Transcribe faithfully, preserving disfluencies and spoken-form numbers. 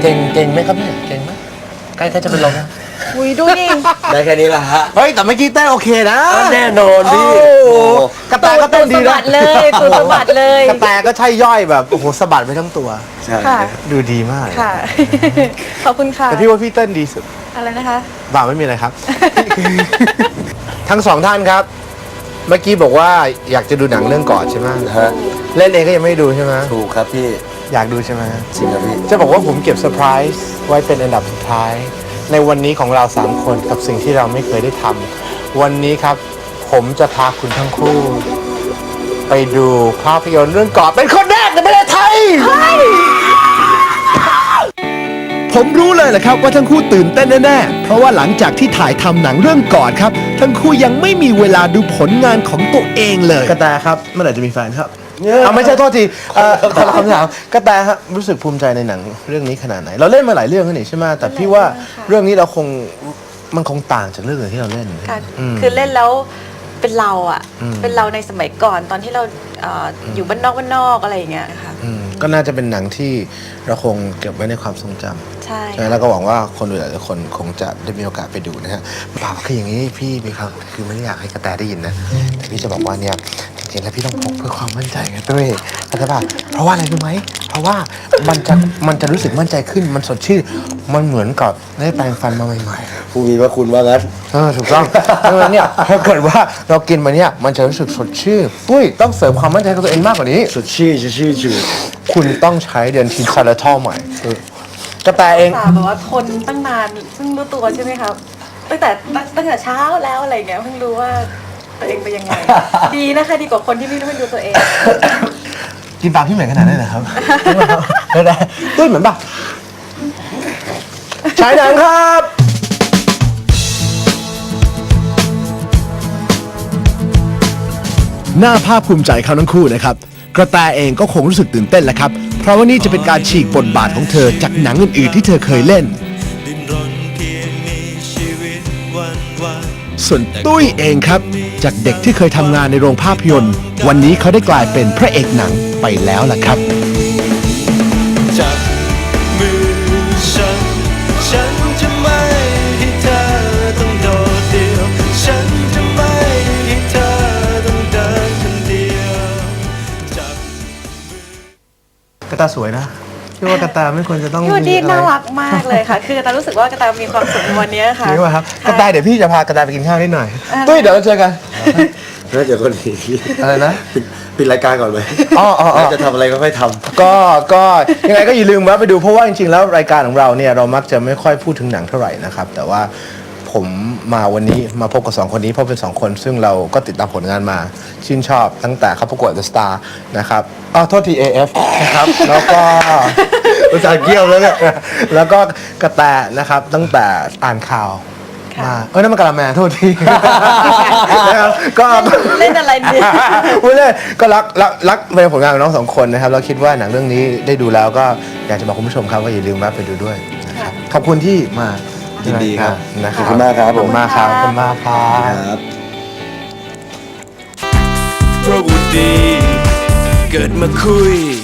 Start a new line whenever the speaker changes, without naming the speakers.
ก่งเก่งไหมครับเนี่ยเก่งไหมใกล้ๆจะเป็นลมแล้ว
อุ้ยดูดิ
ได้แค่นี้ละฮะ
เฮ้ยแต่เมื่อกี้เต้นโอเคนะ
แน่นอนพี่
โอ้โหกระแตก็เต้นดี
ตูดสะ
นะ
บัดเลยตูดสะบัดเลย
กระแตก็ใช่ย่อยแบบโอ้โหสะบัดไปทั้งตัว
ใช่
ค่ะ
ดูดีมาก
ค่ะ ขอบคุณค่ะ
แต่พี่ว่าพี่เต้นดีสุด
อะไรนะคะ
บ่าไม่มีอะไรครับ ทั้งสองท่านครับ เมื่อกี้บอกว่าอยากจะดูหนังเรื่องกอดใช่ไหม
ฮะ
เล่นเองก็ยังไม่ได้ดูใช่ไหม
ถูกครับพี่
อยากดูใช่ไหม
จริงครับพี่
จะบอกว่าผมเก็บเซอร์ไพรส์ไว้เป็นอันดับสุดท้าย ในวันนี้ของเราสามคนกับสิ่งที่เราไม่เคยได้ทำวันนี้ครับ ผมจะพาคุณทั้งคู่ ไปดูภาพยนตร์เรื่องกอดเป็นคนแรกในประเทศไทย
ผมรู้เลยแหละครับว่าทั้งคู่ตื่นเต้นแน่ๆ เพราะว่าหลังจากที่ถ่ายทำหนังเรื่องกอดครับ ทั้งคู่ยังไม่มีเวลาดูผลงานของตัวเองเลย
กระแตครับเมื่อไหร่จะมีแฟนครับเอาไม่ใช่โทษทีเอ่อคนละคำถามกระแตฮะรู้สึกภูมิใจในหนังเรื่องนี้ขนาดไหน เราเล่นมาหลายเรื่องแล้วนี่ใช่ไหมแต่พี่ว่าเรื่องนี้เราคงมันคงต่างจากเรื่องอื่นที่เราเล่น
ค่ะ
อืม
คือเล่นแล้วเป็นเราอ่ะ
อืม
เป็นเราในสมัยก่อนตอนที่เราเอ่ออยู่บ้านนอกบ้านนอกอะไรอย่างเงี้ยค่ะ
อืมก็น่าจะเป็นหนังที่เราคงเก็บไว้ในความทรงจำ
ใช่
ใช่แล้วก็หวังว่าคนดูหลายๆคนคงจะได้มีโอกาสไปดูนะฮะเปล่าคืออย่างนี้พี่พี่ครับคือไม่ได้อยากให้กระแตได้ยินนะแต่พี่จะบอกว่าเนี่ยจริงๆแล้วพี่ต้องพกเพื่อความมั่นใจไงตุ้ยเข้าใจป่ะเพราะว่าอะไรรู้ไหมเพราะว่ามันจะมันจะรู้สึกมั่นใจขึ้นมันสดชื่นมันเหมือนกับได้แปรงฟันมาใหม่ๆ
ผู้มีพระคุณว่างั้น
เออถูกต้องดังนั้นเนี่ยถ้าเกิดว่าเรากินมาเนี่ยมันจะรู้สึกสดชื่นอุ้ยต้องเสริมความมั่นใจกับตัวเองมากกว่านี้
สดชื่นสดชื่นจืด
คุณต้องใช้เดือนทีซาลาทอลใหม่เออกระแตเอง
ตาแบบว่าทนตั้งนานเพิ่งรู้ตัวใช่ไหมครับตั้งแต่ตั้งตั้งแต่เช้าแล้วอะไรเงี้ยเพิ่งรู้ว่าตัวเองเป็นยังไง ดีนะคะดีกว่าคนที่ไม่รู้ดูตัวเอง
กินปลาพี่เหมือนขนาดนั้นนะครับกระแตตุ้ยเหมือนป่ะฉายหนังครับ
น่าภาคภูมิใจเขาทั้งคู่นะครับ กระแตเองก็คงรู้สึกตื่นเต้นแหละครับ เพราะว่านี่จะเป็นการฉีกบทบาทของเธอจากหนังอื่นๆที่เธอเคยเล่น ส่วนตุ้ยเองครับ จากเด็กที่เคยทำงานในโรงภาพยนตร์ วันนี้เขาได้กลายเป็นพระเอกหนังไปแล้วล่ะครับ
จับมือฉัน ฉันจะไม่ให้เธอต้องโดดเดี่ยว ฉันจะไม่ให้เธอต้องเดินคนเดียวจับ
กระแตสวยนะพี่ว่ากระแตไม่ควรจะต้อง
พี่วันดี
มีอะไร
น่ารักมากเลยค่ะ คือกระตารู้สึกว่ากระตามีความสุขในวันนี้ค่ะ
จริงป่ะครับกระแตเดี๋ยวพี่จะพากระแตไปกินข้าวนิดหน่อย
อ่า
ตุ้ยเดี๋ยวเราเจอกัน
ๆน่าจะคนดี
อะไรนะ
ปิดปิดรายการก่อนไหม
อ๋ออ๋ออ๋อ
น่าจะทำอะไรก็ค่อยท
ก็ก็ยังไงก็อย่าลืมแวะไปดูเพราะว่าจริงๆแล้วรายการของเราเนี่ยเรามักจะไม่ค่อยพูดถึงหนังเท่าไหร่นะครับแต่ว่าผมมาวันนี้มาพบกับสองคนนี้เพราะเป็นสองคนซึ่งเราก็ติดตามผลงานมาชื่นชอบตั้งแต่เขาประกวด The Star นะครับอ๋อโทษที เอ เอฟ นะครับแล้วก็ อุตส่าห์เกี่ยวแล้วเนี่ยแล้วก็กระแตนะครับตั้งแต่อ่านข่าวมาเอ้ยนั่นมันกะละแมโทษที นะครับก็
เล่นอะไรดี
พูดเลยก็รักรักรักในผลงานของน้องสองคนนะครับเราคิดว่าหนังเรื่องนี้ได้ดูแล้วก็อยากจะบอกคุณผู้ชมครับว่าอย่าลืมแวะไปดูด้วยนะครับขอบคุณที่มา
ำยินดีครับ
นะค
ข
รั
อบบ คุณมากครับ
ขอบคุณมากครับขอบคุณมากครั
ครับ บ
เพราะว่าดี เกิดมาคุย